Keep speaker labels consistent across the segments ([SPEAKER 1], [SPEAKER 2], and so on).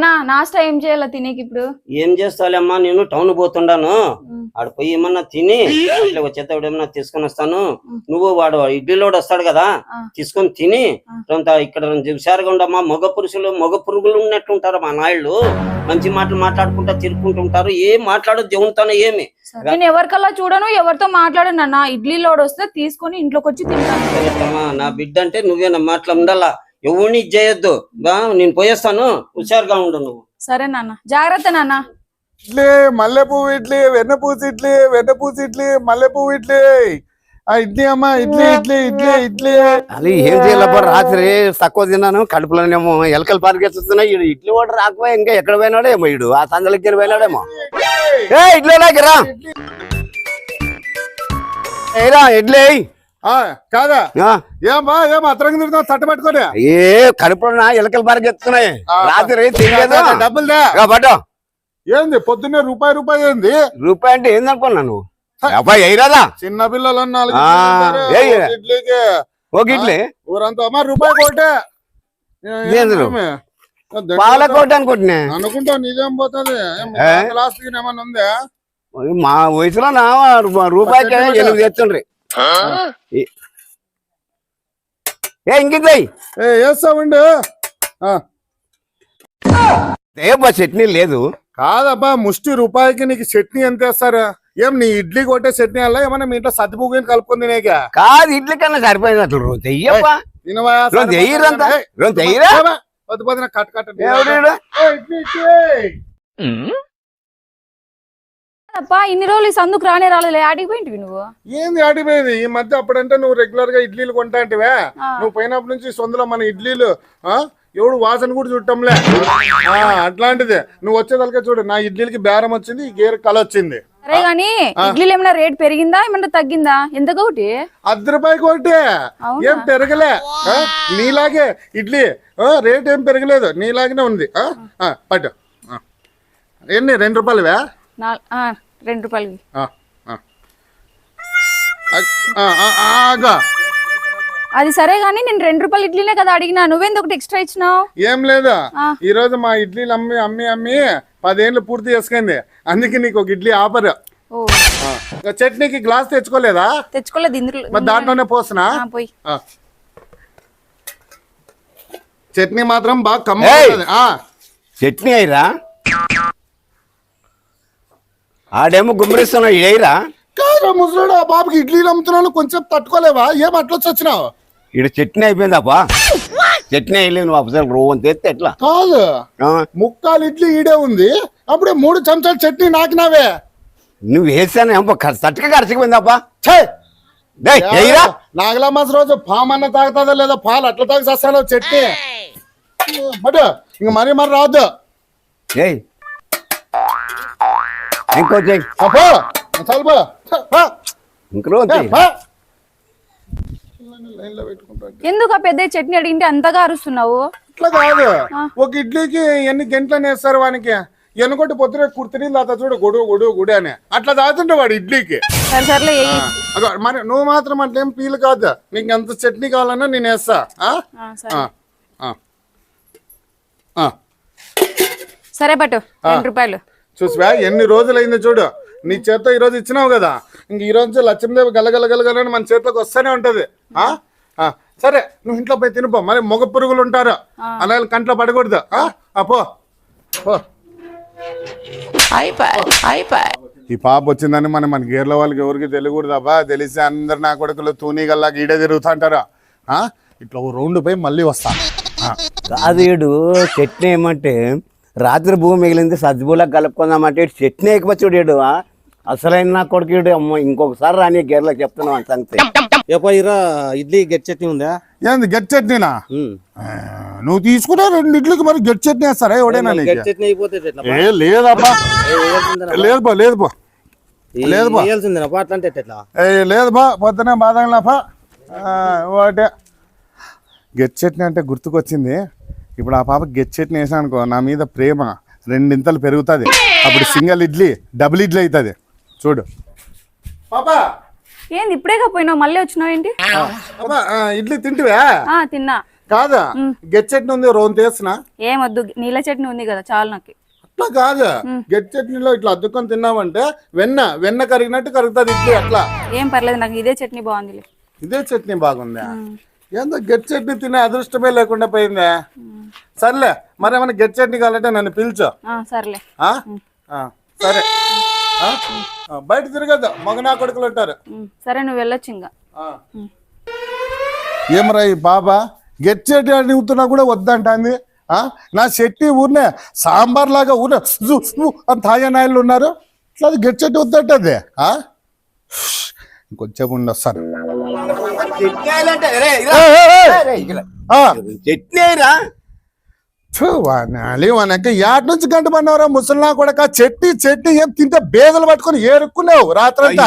[SPEAKER 1] నానా నాస్టా ఏం చేయాలా తినేకి ఇప్పుడు?
[SPEAKER 2] ఏం చేస్తావులేమ్మా, నేను టౌన్ పోతుండాను. ఆడ పోయి ఏమన్నా తిని అట్లా వచ్చేటప్పుడు ఏమన్నా తీసుకొని వస్తాను. నువ్వు వాడు ఇడ్లీలోడు వస్తాడు కదా, తీసుకొని తిని ఇక్కడ హుషారుగా ఉండమ్మా. మగ పురుగులు ఉన్నట్టుంటారు మా నాయుళ్ళు. మంచి మాటలు మాట్లాడుకుంటా తిరుక్కుంటుంటారు. ఏం మాట్లాడదు దేవునితోనే. ఏమి
[SPEAKER 1] నేను ఎవరికల్లా చూడను, ఎవరితో మాట్లాడను అన్న. ఇడ్లీలోడు వస్తే తీసుకొని ఇంట్లోకి వచ్చి తింటాను.
[SPEAKER 2] నా బిడ్డ అంటే నువ్వేనమ్మా, అట్లా ఉండాలా. ఎవరిని చేయొద్దు. నేను పోయేస్తాను, హుషారుగా ఉండు నువ్వు.
[SPEAKER 1] సరే నాన్న, జాగ్రత్త నాన్న.
[SPEAKER 3] ఇడ్లీ మల్లెపువ్వు ఇడ్లీ, వెన్నపూసి ఇడ్లీ, వెన్నపూసి ఇడ్లీ, మల్లెపువ్వు ఇడ్లీ. ఇడ్లీ అమ్మా, ఇడ్లీ ఇడ్లీ ఇడ్లీ ఇడ్లీ.
[SPEAKER 4] అది ఏం చేయాలబ్బా, రాత్రి తక్కువ తిన్నాను, కడుపులోనేమో ఎలకలు పారికేస్తున్నాయి. ఈడు ఇడ్లీ వాడు రాకపోయి ఇంకా ఎక్కడ పోయినాడేమో, ఈడు ఆ సందలకి పోయినాడేమో. ఏ ఇడ్లీ లాగిరా, ఏరా ఇడ్లీ
[SPEAKER 3] కాదా? ఏమా ఏం అతరంగా తిరుగుతావు తట్ట పట్టుకొని?
[SPEAKER 4] ఏ కడుపులో ఎలకలు పారికెత్తున్నాయి, రాత్రి తినలేదు.
[SPEAKER 3] డబ్బులు
[SPEAKER 4] పట్టు.
[SPEAKER 3] ఏంది పొద్దున్నే రూపాయి ఏంది?
[SPEAKER 4] రూపాయి అంటే ఏందనుకున్నాను అయ్యిరాదా?
[SPEAKER 3] చిన్న పిల్లలు ఇడ్లీకి
[SPEAKER 4] ఒక ఇడ్లీ
[SPEAKER 3] ఊరంతా అమ్మా రూపాయి కోటే.
[SPEAKER 4] పాలకోట అనుకుంటున్నా.
[SPEAKER 3] అనుకుంటా నిజం పోతుంది. లాస్ట్ ఏమన్నా ఉందా?
[SPEAKER 4] మా వయసులో నా రూపాయికి 8 తెచ్చుండ్రి. ఏ ఇంకిద్దాయి
[SPEAKER 3] వేస్తామండి.
[SPEAKER 4] ఏబ్బా చట్నీ లేదు.
[SPEAKER 3] కాదబ్బా, ముష్టి రూపాయికి నీకు చట్నీ ఎంత వేస్తారా? ఏం నీ ఇడ్లీ కొట్టే చట్నీ అలా ఏమన్నా మీ ఇంట్లో సత్తిపువ్వుని కలుపుకుంది నీక?
[SPEAKER 4] కాదు, ఇడ్లీ కన్నా సరిపోయింది. అసలు రోజు చెయ్యబ్బా,
[SPEAKER 3] కట్ కట్
[SPEAKER 1] అప్పా ఇన్ని రోజులు ఈ సందుకు రాలేదు. ఆడిపోయింటివి నువ్వు?
[SPEAKER 3] ఏంది ఆడిపోయేది? ఈ మధ్య అప్పుడంటే నువ్వు రెగ్యులర్ గా ఇడ్లీలు కొంటాంటివే. నువ్వు పోయినప్పటి నుంచి సొంతలో మన ఇడ్లీలు ఎవడు వాసన కూడా చుట్టంలే. అట్లాంటిది నువ్వు వచ్చేదలకే చూడు, నా ఇడ్లీలకి బేరం వచ్చింది, ఈ గేర్ కల వచ్చింది.
[SPEAKER 1] సరే గానీ ఇడ్లీలు ఏమైనా రేట్ పెరిగిందా, ఏమన్నా తగ్గిందా? ఎంత ఒకటి?
[SPEAKER 3] 10 రూపాయలకి ఒకటి. ఏం పెరగలే. నీలాగే ఇడ్లీ రేట్ ఏం పెరగలేదు, నీలాగనే ఉంది. పట్టు. ఎన్ని? 2 రూపాయలువే?
[SPEAKER 1] 2 రూపాయలకి. అది సరే గానీ నేను 2 రూపాయల ఇడ్లీనే కదా అడిగినా, నువ్వేంది ఒకటి ఎక్స్ట్రా ఇచ్చినావు?
[SPEAKER 3] ఏం లేదా, ఈ రోజు మా ఇడ్లీలు అమ్మి అమ్మి అమ్మి 10 ఏళ్ళు పూర్తి చేసుకుంది. అందుకే నీకు ఒక ఇడ్లీ ఆఫర్. చట్నీకి గ్లాస్ తెచ్చుకోలేదా?
[SPEAKER 1] తెచ్చుకోలేదు.
[SPEAKER 3] మరి దాంట్లోనే పోస్తున్నా. చట్నీ మాత్రం బాగా కమ్మ.
[SPEAKER 4] చట్నీ అయ్యరా, ఆడేమో గుమ్మరిస్తున్నా ఇడైరా.
[SPEAKER 3] కాదు ముసలాడు, ఆ బాబుకి ఇడ్లీలు అమ్ముతున్నాను, కొంచెం తట్టుకోలేవా? ఏం అట్లా వచ్చినావు?
[SPEAKER 4] ఇడు చట్నీ అయిపోయిందాపా. చట్నీ అయ్యలేదు, నువ్వు అసలు రోవని తెస్తే ఎట్లా?
[SPEAKER 3] కాదు, 3/4 ఇడ్లీ ఈడే ఉంది, అప్పుడే 3 చెంచాలు చట్నీ నాకినావే.
[SPEAKER 4] నువ్వు వేసాను తట్టుగా ఖర్చుకుపోయిందాపా.
[SPEAKER 3] నాగలా మాస రోజు పాము అన్న తాగుతుందా లేదా? పాలు అట్లా తాగి చేస్తాను చట్నీ. బట్ ఇంక మరి రాదు.
[SPEAKER 4] ఇంకో
[SPEAKER 1] ఎందుకు ఆ పెద్ద చట్నీ అడిగింటే అంతగా అరుస్తున్నావు?
[SPEAKER 3] ఇట్లా కాదు, ఒక ఇడ్లీకి ఎన్ని గంటలని వేస్తారు వానికి? ఎన్నుకొట్టి పొద్దున కుర్తిని తాత చూడు గుడు గుడు గుడి అని అట్లా తాగుతుంటే వాడు ఇడ్లీకి. మరి నువ్వు మాత్రం అట్లేం ఫీల్ కాదు, నీకు ఎంత చట్నీ కావాలన్నా నేను వేస్తా.
[SPEAKER 1] సరే పట్టు 2 రూపాయలు.
[SPEAKER 3] చూసివా ఎన్ని రోజులైంది చూడు, నీ చేత్తో ఈ రోజు ఇచ్చినావు కదా, ఇంక ఈ రోజు లక్ష్మీదేవి గలగలగలగలని మన చేతిలోకి వస్తూనే ఉంటది. సరే నువ్వు ఇంట్లో పోయి తినిపో, మరి మగ పురుగులు ఉంటారు, అలా కంట్లో పడకూడదు. పో. ఈ పాప వచ్చిందని మన గేర్ల వాళ్ళకి ఎవరికి తెలియకూడదు అబ్బా. తెలిసి అందరు నా కొడుకులు తూనీగల్లా ఈడే తిరుగుతుంటారా. ఇట్లా 2 రౌండ్ పోయి మళ్ళీ వస్తా.
[SPEAKER 4] కాదు చట్నీ ఏమంటే రాత్రి భూమి మిగిలింది సజ్జుబూలకు కలుపుకుందామంటే చట్నీ ఎక్కువచ్చుడు. అసలైన నా కొడుకు అమ్మ, ఇంకొకసారి రాని గేర్లకు చెప్తున్నావు అని సంగతి.
[SPEAKER 2] ఇడ్లీ గెట్ చట్నీ ఉందా?
[SPEAKER 3] ఏంది గెట్ చట్నీనా? నువ్వు తీసుకున్నా 2 ఇడ్లీకి మరి గెట్ చట్నీ వేస్తారా ఎవడైనా? లేదబ్బా, లేదు బా పొద్దునే బాధ. ఒకటే గెట్ చట్నీ అంటే గుర్తుకొచ్చింది. ఇప్పుడు ఆ పాప గెట్ చట్నీ వేసా అనుకో, నా మీద ప్రేమ 2 ఇంతలు పెరుగుతుంది. అప్పుడు సింగిల్ ఇడ్లీ డబుల్ ఇడ్లీ అవుతుంది. చూడు పాపా.
[SPEAKER 1] ఏంది ఇప్పుడేగా పోయినావు, మళ్ళీ వచ్చినావు ఏంటి?
[SPEAKER 3] ఇడ్లీ తింటివా?
[SPEAKER 1] తిన్నా.
[SPEAKER 3] కాదా గెట్ చట్నీ ఉంది రోన్ తీసిన
[SPEAKER 1] ఏమొద్దు, నీళ్ళ చట్నీ ఉంది కదా చాలు నాకు.
[SPEAKER 3] అట్లా కాదు గెట్ చట్నీలో ఇట్లా అద్దుకొని తిన్నామంటే వెన్న కరిగినట్టు కరుగుతుంది ఇడ్లీ అట్లా.
[SPEAKER 1] ఏం పర్లేదు, నాకు ఇదే చట్నీ బాగుంది.
[SPEAKER 3] ఇదే చట్నీ బాగుందా? ఏందో గెట్ చట్నీ తినే అదృష్టమే లేకుండా పోయిందా? సర్లే మరేమన్నా గెట్ చట్నీ కావాలంటే నన్ను పిలుచు.
[SPEAKER 1] సర్లే
[SPEAKER 3] సరే బయట తిరగద్దు, మగనా కొడుకులు ఉంటారు.
[SPEAKER 1] సరే నువ్వు వెళ్ళొచ్చు ఇంకా.
[SPEAKER 3] ఏమరా ఈ బాబా గెట్ చట్నీ అడుగుతున్నా కూడా వద్దంటాంది. నా చట్నీ ఊరినే సాంబార్ లాగా ఊరినే తాజా నాయలు ఉన్నారు, ఇట్లా గెట్ చట్నీ వద్దంటది. ఇంకొంచెం ఉండొస్తాను. వానక యాడ్ నుంచి గంట పడినవరా ముసలినా కూడా చట్నీ ఏం తింటే బేదలు పట్టుకొని ఏరుక్కున్నావు రాత్రంతా.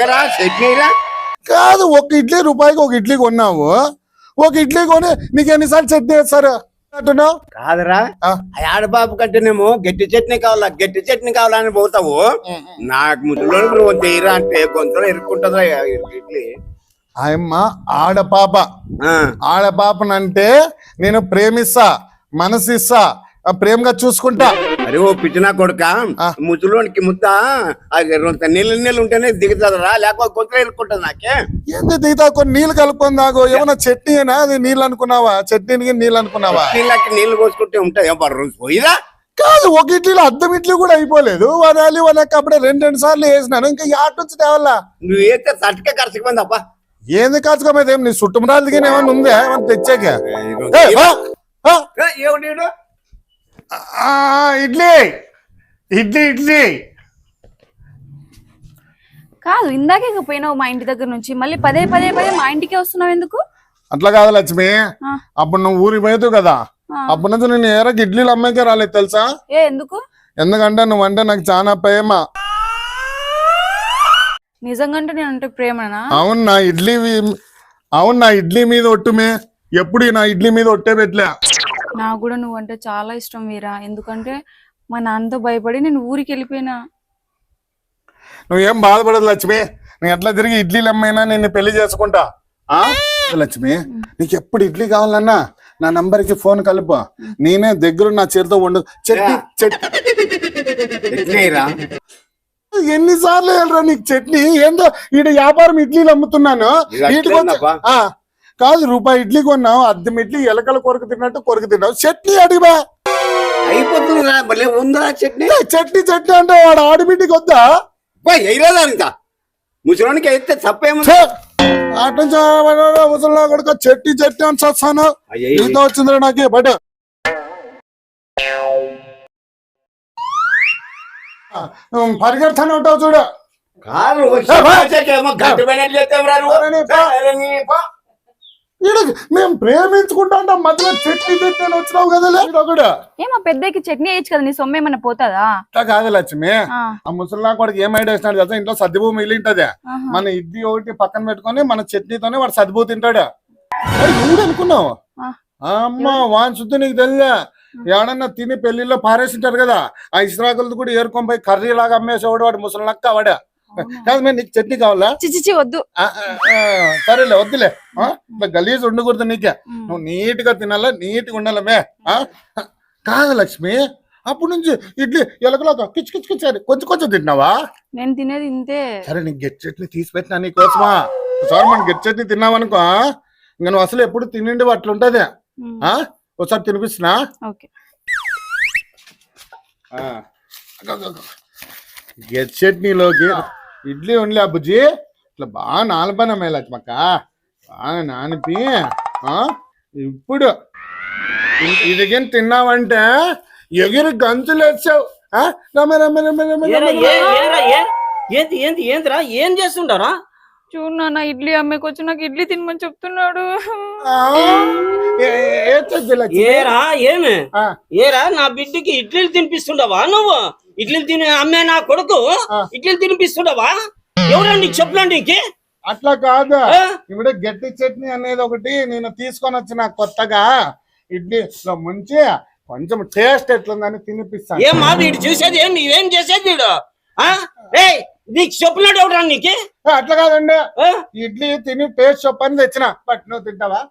[SPEAKER 3] కాదు ఒక ఇడ్లీ రూపాయికి ఒక ఇడ్లీ కొన్నావు, ఒక ఇడ్లీ కొని నీకు ఎన్నిసార్లు చట్నీ వేస్తారు అంటున్నావు?
[SPEAKER 4] కాదురా ఆడబాబు కంటేనేమో గట్టి చట్నీ కావాలని పోతావు, నాకు ముద్దులో తీరా అంటే గొంతులో ఇరుక్కుంటుందా ఇడ్లీ.
[SPEAKER 3] ఆయమ్మ ఆడపాపనంటే నేను ప్రేమిస్తా, మనసిస్తా, ప్రేమగా చూసుకుంటా.
[SPEAKER 4] అరే ఓ పిచ్చినా కొడుక, ముద్దులోనికి ముద్ద నీళ్ళు ఉంటేనే దిగుతుందిరా, లేకపోతే గొంతులో ఇరుక్కుంటుంది. నాకే
[SPEAKER 3] ఏంది దిగుతా కొన్ని నీళ్ళు కలుపుకొని తాగు. ఏమన్నా చట్నీ అయినా అది నీళ్ళు అనుకున్నావా? చట్నీకి నీళ్ళు అనుకున్నావా?
[SPEAKER 4] నీళ్ళు పోసుకుంటే ఉంటాయి పోయిదా.
[SPEAKER 3] కాదు ఒక ఇడ్లీలో అద్దం ఇడ్లీ కూడా అయిపోలేదు. వాళ్ళకి అప్పుడే రెండు సార్లు వేసినాను, ఇంకా యాట్ నుంచి తేవాలా?
[SPEAKER 4] నువ్వు వేస్తే తట్టుకే ఖర్చుకుపోయింది అబ్బా.
[SPEAKER 3] ఏంది కాచుకోమైతే నీ చుట్టుమురాలు దిగిన ఏమన్నా ఉందా ఏమన్నా తెచ్చాక? ఇడ్లీ
[SPEAKER 1] కాదు, ఇందాకే పోయినావు మా ఇంటి దగ్గర నుంచి, మళ్ళీ పదే మా ఇంటికే వస్తున్నావు ఎందుకు?
[SPEAKER 3] అట్లా కాదు లక్ష్మి, అప్పుడు నువ్వు ఊరికి పోయావు కదా, అప్పటి నుంచి నేను ఏరకు ఇడ్లీలు అమ్మాయికే రాలేదు తెలుసా?
[SPEAKER 1] ఎందుకు?
[SPEAKER 3] ఎందుకంటే నువ్వంటే నాకు చాలా ప్రేమ.
[SPEAKER 1] నిజంగా నేనంటే ప్రేమనా?
[SPEAKER 3] అవును నా ఇడ్లీ మీద ఒట్టుమే, ఎప్పుడు నా ఇడ్లీ మీద ఒట్టే పెట్టలే.
[SPEAKER 1] నాకు కూడా నువ్వంటే చాలా ఇష్టం వీరా, ఎందుకంటే మా నాన్నతో భయపడి నేను ఊరికి వెళ్ళిపోయినా.
[SPEAKER 3] నువ్వేం బాధపడదు లక్ష్మి, నేను ఎట్లా తిరిగి ఇడ్లీలు అమ్మైనా నేను పెళ్లి చేసుకుంటా. లక్ష్మి నీకు ఎప్పుడు ఇడ్లీ కావాలన్నా నా నంబర్కి ఫోన్ కలుపు, నేనే దగ్గర నా చేతితో వండు. ఎన్నిసార్లు వెళ్ళరా నీకు చట్నీ? ఏందో ఈడ వ్యాపారం ఇడ్లీలు అమ్ముతున్నాను. కాదు రూపాయి ఇడ్లీ కొన్నావు, అద్దం ఇడ్లీ ఎలకల కొరకు తిన్నట్టు కొరకు తిన్నావు. చట్నీ అడిగా చట్నీ అంటే వాడు ఆడిబిడ్డికి వద్దా?
[SPEAKER 4] ముసలానికి అయితే తప్పేమో.
[SPEAKER 3] అటు నుంచి ముసలా కొడుకు చట్నీ అని చస్తాను. ఈత వచ్చిందిరా నాకే బట్ పరిగెడతానే ఉంటావు చూడు. మేము ప్రేమించుకుంటా మధ్యలో చట్నీ తిట్టాను వచ్చినావు కదా.
[SPEAKER 1] ఏమో పెద్దకి చట్నీ వేయచ్చు కదా, నీ సొమ్ము ఏమన్నా పోతుందా?
[SPEAKER 3] అట్లా కాదు లక్ష్మి, ఆ ముసలినా కూడా ఏం ఐడియా వేసినాడు కదా, ఇంట్లో సర్దిభూ మిగిలింటది. మన ఇడ్లీ ఒకటి పక్కన పెట్టుకొని మన చట్నీతోనే వాడు సర్దిభూ తింటాడు. నువ్వు అనుకున్నావు అమ్మా వాన్ శుద్ధి నీకు తెలియదా? ఎవడన్నా తిని పెళ్లిలో పారేసింటారు కదా, ఆ ఇస్రాకులతో కూడా ఏరుకొని పోయి కర్రీ లాగా అమ్మేసేవాడు వాడు ముసలినక్క వాడా. కాదు మేము నీకు చట్నీ కావాలా?
[SPEAKER 1] చిచి వద్దు.
[SPEAKER 3] సరేలే వద్దులే, ఇట్లా గలీజ్ ఉండకూడదు నీకే. నువ్వు నీట్ గా తినాలా, నీట్ గా ఉండాలమే. కాదు లక్ష్మి, అప్పటి నుంచి ఇడ్లీ ఎలకలాగా కిచ్చుకిచ్చుకిచ్చారు, కొంచెం తిన్నావా?
[SPEAKER 1] నేను తినేది ఇంతే. సరే
[SPEAKER 3] నీకు గెట్ చట్నీ తీసి పెట్టినా నీకోసమా. ఒకసారి మనం గెట్ చట్నీ తిన్నావనుకో ఇంకా నువ్వు అసలు ఎప్పుడు తినండి అట్లుంటది. ఒకసారి తినిపిస్తున్నా. గెట్ చట్నీలోకి ఇడ్లీ ఉండలే బుజ్జి, ఇట్లా బాగా నానపనమే లక్ష్మక్క, బాగా నానిపి ఇప్పుడు ఇదిగేం తిన్నావంటే ఎగిరి గంతులు వచ్చావు.
[SPEAKER 2] ఏందిరా ఏం చేస్తుంటారా?
[SPEAKER 1] చూడు నాన్న, ఇడ్లీ అమ్మకి వచ్చి నాకు ఇడ్లీ తినమని చెప్తున్నాడు.
[SPEAKER 2] ఏరా నా బిడ్డకి ఇడ్లీలు తినిపిస్తుండవా నువ్వు? ఇడ్లీలు తిని అమ్మే నా కొడుకు ఇడ్లీలు తినిపిస్తుండవా? ఎవరండి చెప్పండి.
[SPEAKER 3] అట్లా కాదు, ఇప్పుడు గట్టి చట్నీ అనేది ఒకటి నేను తీసుకొని వచ్చిన కొత్తగా, ఇడ్లీలో ముంచి కొంచెం టేస్ట్ ఎట్లుందని తినిపిస్తాను.
[SPEAKER 2] ఏమా వీడు చూసేది ఏం నీవేం చేసేది వీడు? నీకు చెప్పినాడు ఎవరా నీకు?
[SPEAKER 3] అట్లా కాదండి, ఇడ్లీ తిని టేస్ట్ చెప్పని తెచ్చిన. బట్ నువ్వు తింటావా?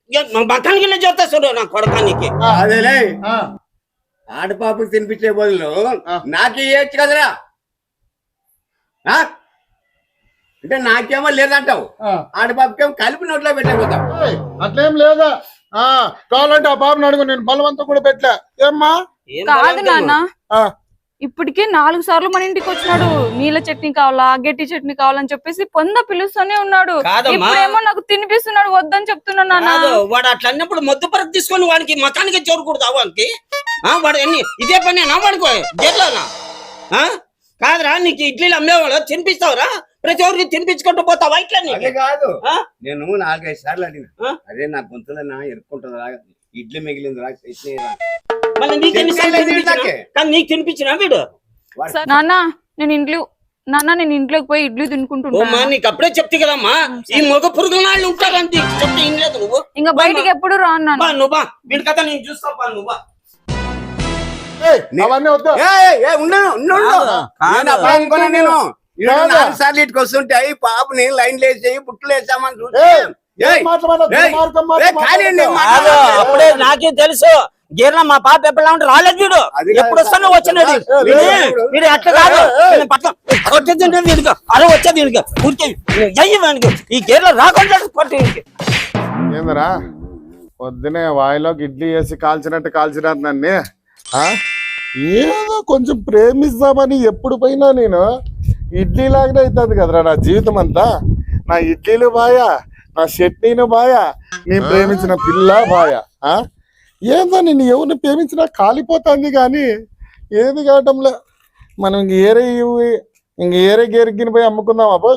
[SPEAKER 2] బకానికి వెళ్ళి చెప్తా చూడు నా కొడకానికి.
[SPEAKER 4] అదేలే
[SPEAKER 3] ఆ,
[SPEAKER 4] ఆడపాపకి తినిపించే బదులు నాకే ఇవ్వచ్చు కదరా ఆ? అంటే నాకేమో లేదంటావు,
[SPEAKER 3] ఆ.
[SPEAKER 4] ఆడపాపకేమో కలిపి నోట్లో పెట్టకపోతావు.
[SPEAKER 3] ఏయ్, అట్లేం లేదా? కావాలంటే ఆ బాబుని అడుగు, నేను బలవంతం కూడా పెట్టలే. ఏమ్మా?
[SPEAKER 2] ఏం
[SPEAKER 1] కాదు
[SPEAKER 2] బలవంతము?
[SPEAKER 1] నాన్న,
[SPEAKER 3] ఆ,
[SPEAKER 1] ఇప్పటికే 4 సార్లు మన ఇంటికి వచ్చినాడు. నీళ్ళ చట్నీ కావాలా, గట్టి చట్నీ కావాలని చెప్పేసి పిలుస్తూనే ఉన్నాడు.
[SPEAKER 2] కాదమ్మా.
[SPEAKER 1] ఇప్పుడేమో నాకు తినిపిస్తున్నాడు, వద్దని చెప్తున్నాను నాన్న.
[SPEAKER 2] కాదు, వాడు అట్లా అన్నప్పుడు మొద్దు పరకు తీసుకొని వాడికి మకానికి చూడకూడదు వానికి. వాడు ఎన్ని ఇదే పని నా వాడుకో జట్లోనా? కాదురా, నీకు ఇడ్లీలు అమ్మేవాళ్ళు తినిపిస్తావురా? ప్రతి ఒక్కరికి తినిపించుకుంటూ పోతావా ఇట్లా?
[SPEAKER 4] అదే కాదు,
[SPEAKER 2] ఆ?
[SPEAKER 4] నేను 4-5 సార్లు అడిగిన,
[SPEAKER 2] ఆ?
[SPEAKER 4] అదే నా గొంతులో నా ఎరుక్కుంటుందా, ఇడ్లీ మిగిలింది రా చట్నీ రా.
[SPEAKER 2] మళ్ళీ నీకు ఎన్నిసార్లు
[SPEAKER 4] తినిపించలేదు
[SPEAKER 2] తినిపించినా?
[SPEAKER 4] నాకే.
[SPEAKER 2] కానీ నీకు తినిపించినా వీడు?
[SPEAKER 1] నాన్న నేను ఇంట్లోకి పోయి ఇడ్లీ తినుకుంటున్నా.
[SPEAKER 2] ఓమ్మా, నీకు అప్పుడే చెప్తే కదమ్మా, ఈ మగ పురుగుల నాళ్ళు ఉంటారని చెప్తే ఏం లేదు నువ్వు.
[SPEAKER 1] ఇంకా బయటికి ఎప్పుడు రాను నాన్న.
[SPEAKER 2] బా నువ్వు బా, వీడి కథ నేను చూస్తా బా నువ్వు బా.
[SPEAKER 3] ఏయ్, అవన్నీ వద్దు.
[SPEAKER 4] ఉండను నేను అప్పుడు అనుకున్నా, నేను 4 సార్లు ఇటుకు వస్తుంటే ఈ పాపని లైన్ లేసి బుట్టలు వేసామని చూస్తే
[SPEAKER 3] ఏయ్, ఏం మాట్లాడదు, దుర్మార్గం మాట్లాడదు.
[SPEAKER 2] కాదు, అప్పుడే నాకే తెలుసు. గీర్ణ మా పాప ఎప్పుడు ఉంటే రాలేదు వీడు.
[SPEAKER 4] అది కాదు.
[SPEAKER 2] ఎప్పుడు వస్తానో వచ్చినది వీడు. అట్లా కాదు, పట్ల వచ్చేది వీడికి, అలా వచ్చేది వీడికి. ఊరికే అయ్యి వానికి ఈ గీర్లో రాకుండా కొట్టి.
[SPEAKER 3] ఏందిరా పొద్దునే వాయిలోకి ఇడ్లీ వేసి కాల్చినట్టు కాల్చినారు నన్ను. ఏదో కొంచెం ప్రేమిస్తామని ఎప్పుడు పోయినా నేను ఇడ్లీ లాగానే అవుతుంది కదరా నా జీవితం అంతా. నా ఇడ్లీలు బాయా, నా చట్నీలు బాయా, నేను ప్రేమించిన పిల్ల బాయా. ఏందో నేను ఎవరిని ప్రేమించినా కాలిపోతుంది కానీ ఏది కావటంలే. మనం ఇంక ఏరే గేరిగిన పోయి అమ్ముకుందాం అబ్బో.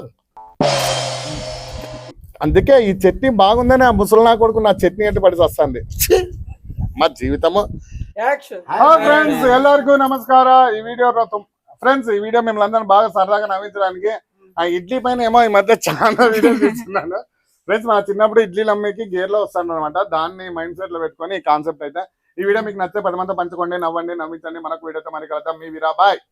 [SPEAKER 3] అందుకే ఈ చట్నీ బాగుందని ఆ ముసలినా కొడుకు నా చట్నీ అంటే పడి వస్తుంది మా జీవితము. ఫ్రెండ్స్ ಎಲ್ಲರಿಗೂ నమస్ಕಾರ. ఈ వీడియో ఫ్రెండ్స్, ఈ వీడియో మిమ్మల్ని అందరినీ బాగా సరదాగా నవ్వించడానికి ఆ ఇడ్లీ పైన ఏమో ఈ మధ్య చాలా వీడియో చూస్తున్నాను ఫ్రెండ్స్. మన చిన్నప్పుడు ఇడ్లీలు అమ్మేకి గేర్లో వస్తాను అనమాట. దాన్ని మైండ్ సెట్ లో పెట్టుకొని ఈ కాన్సెప్ట్ అయితే. ఈ వీడియో మీకు నచ్చితే 10 మంది పంచుకోండి, నవ్వండి, నవ్వించండి. మనకు వీడియోతో మరి కలుద్దాం. మీ వీరా, బాయ్.